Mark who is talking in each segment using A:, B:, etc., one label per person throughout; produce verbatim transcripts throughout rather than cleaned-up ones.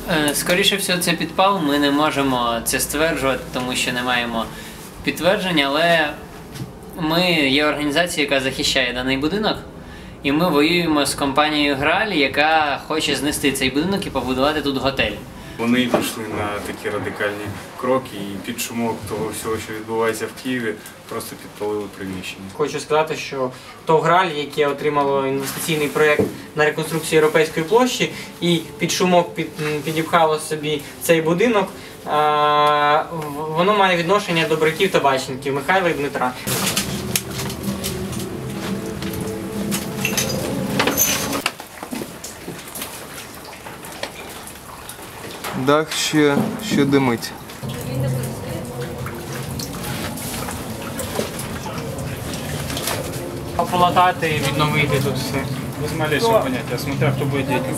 A: Скоріше всього, це підпал. Ми не можемо це стверджувати, тому що не маємо підтвердження, але ми є організацією, яка захищає даний будинок, і ми воюємо з компанією Грааль, яка хоче знести цей будинок і побудувати тут готель.
B: Вони пішли на такі радикальні кроки і під шумок того всього, що відбувається в Києві, просто підпалили приміщення.
C: Хочу сказати, що ТОВ Грааль, яке отримало інвестиційний проєкт на реконструкцію Європейської площі і під шумок під, підіпхало собі цей будинок, воно має відношення до братів табачників Михайла і Дмитра.
D: Дах ще, ще димить.
C: Полатати, відновити тут все.
B: Без малейшего поняття, смотря хто буде діяти.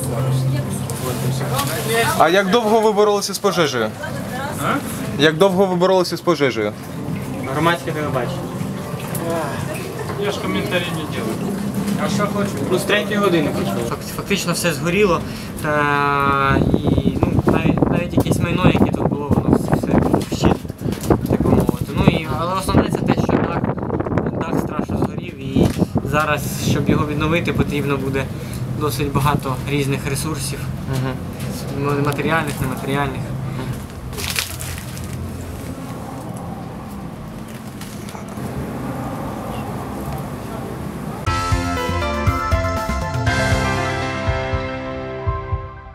D: А як довго ви боролися з пожежею?
B: А?
D: Як довго ви боролися з пожежею?
C: Громадське телебачення.
B: Я ж коментарі не роблю. А що хочу?
C: Ну, з третьої години почали. Фактично все згоріло. Е і ну, навіть, навіть якесь майно, яке тут було, воно все вщент, так би мовити. Ну, і, але основне це те, що дах, дах страшно згорів, і зараз, щоб його відновити, потрібно буде досить багато різних ресурсів. Угу. Матеріальних, нематеріальних.